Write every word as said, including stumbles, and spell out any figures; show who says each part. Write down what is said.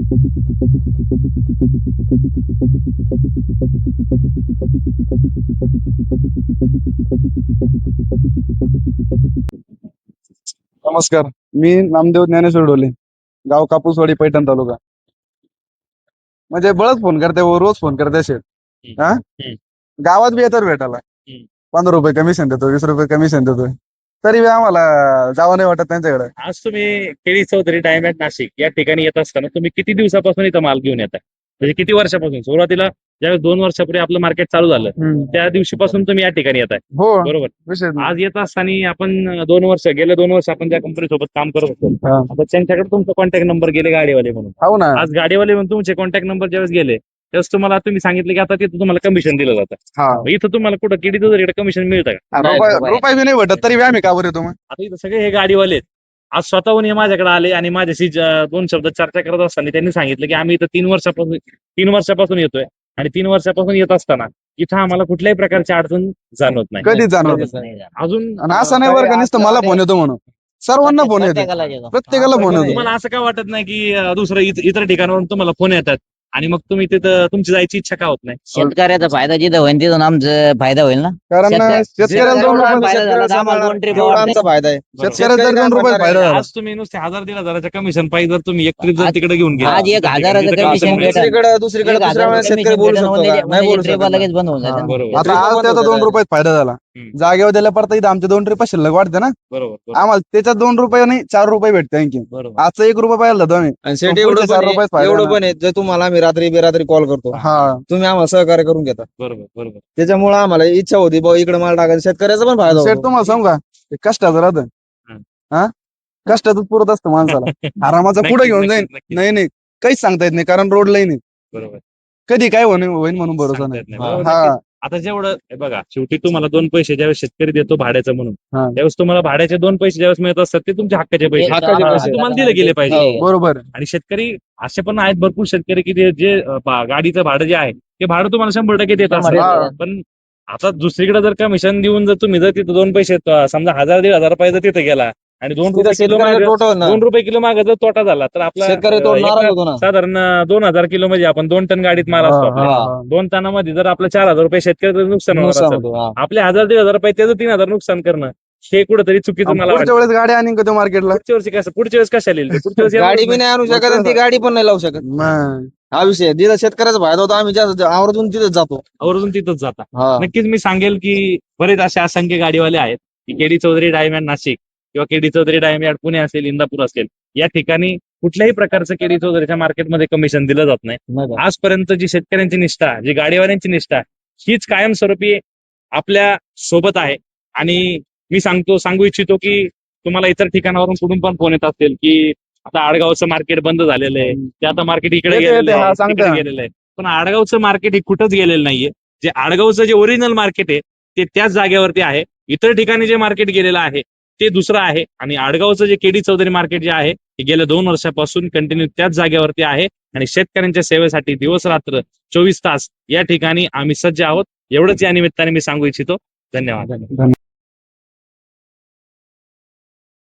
Speaker 1: नमस्कार, मी नामदेव ज्ञानेश्वर डोले, गाव कापूसवाडी, पैठण तालुका. म्हणजे बळच फोन करते व रोज फोन करते शेठ.
Speaker 2: हम्म,
Speaker 1: हा
Speaker 2: हम्म,
Speaker 1: गावात बी येतात भेटायला.
Speaker 2: हम्म.
Speaker 1: पंधरा रुपये कमिशन देतो, वीस रुपये कमिशन देतोय, तरी बी आम्हाला जावं नाही वाटत त्यांच्याकडे.
Speaker 2: आज तुम्ही केळी चौधरी डायमंड नाशिक या ठिकाणी येत असताना तुम्ही किती दिवसापासून इथं माल घेऊन येताय? म्हणजे किती वर्षापासून? सुरुवातीला ज्यावेळेस दोन वर्षापूर्वी आपलं मार्केट चालू झालं
Speaker 1: हम्म.
Speaker 2: त्या दिवशीपासून तुम्ही या ठिकाणी येताय,
Speaker 1: हो,
Speaker 2: बरोबर?
Speaker 1: विषय नाही.
Speaker 2: आज येत असताना आपण दोन वर्ष गेले दोन वर्ष आपण ज्या कंपनी सोबत काम करत होतो,
Speaker 1: हा.
Speaker 2: आता त्यांच्याकडे तुमचा कॉन्टॅक्ट नंबर गेले गाडीवाले म्हणून.
Speaker 1: हो ना.
Speaker 2: आज गाडीवाले म्हणून तुमचे कॉन्टॅक्ट नंबर ज्यावेळेस गेले त्यावेळेस तुम्हाला तुम्ही सांगितलं की आता तिथं तुम्हाला कमिशन दिलं जातं.
Speaker 1: हा.
Speaker 2: मग इथं तुम्हाला कुठं केळी चौधरीकडे कमिशन मिळतं का?
Speaker 1: रुपये रुपये बी नाही भेटत, तरी बी आम्ही का बरं येतो मग?
Speaker 2: आता इथं सगळे हे गाडीवाले आहेत. आज स्वतःहून हे माझ्याकडे आले आणि माझ्याशी ज- दोन शब्द चर्चा करत असताना त्यांनी सांगितलं की आम्ही इथं तीन वर्षापासून तीन वर्षापासून येतोय आणि तीन वर्षापासून येत असताना इथं आम्हाला कुठल्याही प्रकारची अडचण जाणवत नाही.
Speaker 1: कधीच जाणवत.
Speaker 2: अजून
Speaker 1: आणि असं नाही बरं का नुसतं मला फोन येतो म्हणून, सर्वांना फोन येतो, प्रत्येकाला फोन येतो.
Speaker 2: तुम्हाला असं का वाटत नाही की अं, दुसरं इत- इतर ठिकाणावरून तुम्हाला फोन येतात आणि मग तुम्ही तिथं तुमची जायची इच्छा का होत नाही?
Speaker 3: शेतकऱ्याचा फायदा जिथं होईल तिथून आमचा फायदा होईल ना.
Speaker 1: कारण
Speaker 3: शेतकऱ्या-
Speaker 1: शेतकऱ्याला दोन
Speaker 3: जेवढा
Speaker 1: रुपये
Speaker 3: फायदा झाला तर आम्हाला दोन ट्रिप
Speaker 4: एवढा आमचा फायदा आहे.
Speaker 1: शेतकऱ्याला जर दोन रुपये फायदा झाला.
Speaker 2: आज तुम्ही नुसते हजार दीड हजाराचं कमिशन पाहिजे जर तुम्ही एक ट्रिप जर तिकडे घेऊन गेला
Speaker 3: आज एक हजाराचं
Speaker 2: तिथं
Speaker 3: commission
Speaker 2: commission
Speaker 3: भेटेल.
Speaker 4: दुसरीकडे दुसरीकडे
Speaker 3: एक
Speaker 4: दुसऱ्या
Speaker 3: हजार
Speaker 4: वेळेस
Speaker 3: रुपये
Speaker 4: शेतकरी बोलू
Speaker 3: commission
Speaker 4: शकतो
Speaker 3: भेटेल,
Speaker 4: का? नाही
Speaker 3: म्हणजे
Speaker 4: बोलू
Speaker 3: trip
Speaker 4: शकत.
Speaker 3: लगेच बंद होऊन
Speaker 1: हा.
Speaker 3: जाईल.
Speaker 2: बरोबर
Speaker 1: आता आज
Speaker 4: बंद
Speaker 1: त्याचा
Speaker 4: होतं
Speaker 1: दोन रुपयात फायदा झाला,
Speaker 2: हम्म.
Speaker 1: जागेवर दिल्या परत इथं आमचे दोन रुपये शिल्लक वाढते ना,
Speaker 2: बरोबर बरोबर
Speaker 1: आम्हाला त्याच्यात दोन रुपये नाही चार रुपये भेटते आणखी.
Speaker 2: बरोबर
Speaker 1: आजचा एक रुपये पाहिजे जातो आम्ही.
Speaker 4: आणि शेट
Speaker 1: पुढचे
Speaker 4: एवढं
Speaker 1: चार
Speaker 4: पण
Speaker 1: रुपयात
Speaker 4: आहे-
Speaker 1: फायदा
Speaker 4: एवढं
Speaker 1: आहे
Speaker 4: पण आहे जर तुम्हाला आम्ही रात्री बेरात्री कॉल करतो,
Speaker 1: हा.
Speaker 4: तुम्ही आम्हाला सहकार्य करून घेता,
Speaker 2: बरोबर बरोबर
Speaker 4: त्याच्यामुळे आम्हाला इच्छा होती बा इकडे माल टाकायचा, शेतकऱ्याचा पण फायदा
Speaker 1: शेठ
Speaker 4: होतो.
Speaker 1: तुम्हाला सांगू का, ते कष्टाचं राहतं.
Speaker 2: हम्म.
Speaker 1: हा कष्टातच पुरत असतं माणसाला. आरामाचा पुढे
Speaker 2: नक्कीच,
Speaker 1: घेऊन
Speaker 2: नक्कीच,
Speaker 1: जाईन.
Speaker 2: नक्कीच.
Speaker 1: नाही नाही काहीच सांगता येत नाही, कारण रोड नाही
Speaker 2: बरोबर
Speaker 1: कधी काय होईन होईन म्हणून भरोसा
Speaker 2: सांगता
Speaker 1: नाही.
Speaker 2: येत नाही.
Speaker 4: हा.
Speaker 2: बरोबर,
Speaker 1: हा.
Speaker 2: नक्कीच. आता जेवढं हे बघा शेवटी तुम्हाला दोन पैसे ज्यावेळेस शेतकरी देतो भाड्याचं म्हणून
Speaker 1: हा.
Speaker 2: त्यावेळेस तुम्हाला भाड्याचे दोन पैसे ज्यावेळेस मिळत असतात ते तुमच्या हक्काचे पैसे
Speaker 4: हक्काचे
Speaker 2: हा,
Speaker 4: पैसे.
Speaker 2: तुम्हाला दिले गेले पाहिजे.
Speaker 4: हो.
Speaker 1: बरोबर.
Speaker 2: आणि शेतकरी असे पण आहेत भरपूर शेतकरी की जे- जे अं, बा- गाडीचं भाडं जे आहे ते भाडं तुम्हाला शंभर टक्के देत
Speaker 3: शंभर
Speaker 2: असतात.
Speaker 1: टक्के.
Speaker 2: पण आता दुसरीकडे जर कमिशन देऊन जर तुम्ही जर तिथं दोन पैसे अं, समजा हजार दीड हजार रुपये जर तिथे गेला आणि दोन
Speaker 4: तिथं
Speaker 2: रुपये किलो
Speaker 4: शेतकऱ्याचा
Speaker 2: मागे
Speaker 4: तोटा होणार.
Speaker 2: दोन रुपये किलो मागे जर तोटा झाला तर आपला
Speaker 4: शेतकरी तो
Speaker 2: अं,
Speaker 4: नाराज
Speaker 2: एका-
Speaker 4: होतो ना.
Speaker 2: साधारण अं, दोन हजार किलो म्हणजे आपण दोन टन गाडीत माल असतो
Speaker 1: हा,
Speaker 2: आपल्या.
Speaker 1: हा, हा.
Speaker 2: दोन टनामध्ये जर आपलं चार हजार रुपये शेतकऱ्याचं नुकसान होणार
Speaker 4: नुकसान
Speaker 2: असेल
Speaker 4: होतो, हा.
Speaker 2: आपले हजार दीड हजार रुपये त्याचं तीन हजार नुकसान करणं हे कुठेतरी चुकीचं
Speaker 1: आणि
Speaker 2: मला
Speaker 1: पुढच्या
Speaker 2: वाटतं.
Speaker 1: वेळेस गाडी आणि कधी मार्केटला.
Speaker 2: पुढच्या वर्षी कसं पुढच्या वेळेस कशा लिहिलं पुढच्या वेळेस
Speaker 4: गाडी
Speaker 2: येणारच
Speaker 4: बी नाही आणू
Speaker 1: मग
Speaker 4: शकत आणि ती
Speaker 1: कसं?
Speaker 4: गाडी पण नाही लावू शकत.
Speaker 1: मग
Speaker 4: हा विषय आहे. जिथं शेतकऱ्याचा फायदा होता आम्ही जास्त आवर्जून तिथेच जातो.
Speaker 2: आवर्जून तिथंच जाता.
Speaker 4: हा.
Speaker 2: नक्कीच मी सांगेल की बरेच असे असंख्य गाडीवाले आहेत की केडी चौधरी डायमंड नाशिक किंवा केडी चौधरी डायमंड पुणे असेल इंदापूर असेल या ठिकाणी कुठल्याही प्रकारचं केडी चौधरीच्या मार्केटमध्ये कमिशन दिलं जात नाही.
Speaker 4: नाही का?
Speaker 2: आजपर्यंत जी शेतकऱ्यांची निष्ठा जी गाडीवाल्यांची निष्ठा हीच कायमस्वरूपी आपल्या सोबत आहे. आणि मी सांगतो सांगू इच्छितो की तुम्हाला इतर ठिकाणावरून कुठून पण फोन येत असतील की आता आडगावचं मार्केट बंद झालेलं आहे ते आता मार्केट इकडे
Speaker 1: येते,
Speaker 2: गेलेलं
Speaker 1: येते, हा,
Speaker 2: आहे
Speaker 1: सांगते
Speaker 2: तिकडे
Speaker 1: ना.
Speaker 2: गेलेलं आहे. पण आडगावचं मार्केट हे कुठंच गेलेलं नाहीये. जे आडगावचं जे ओरिजिनल मार्केट आहे ते त्याच जागेवरती आहे. इतर ठिकाणी जे मार्केट गेलेलं आहे ते दुसरं आहे आणि आडगावचं जे केडी चौधरी मार्केट जे आहे ते गेल्या दोन वर्षापासून कंटिन्यू त्याच जागेवरती आहे आणि शेतकऱ्यांच्या सेवेसाठी दिवस रात्र चोवीस तास या ठिकाणी आम्ही सज्ज आहोत. एवढंच या निमित्ताने मी सांगू इच्छितो. धन्यवाद.
Speaker 1: धन्यवाद.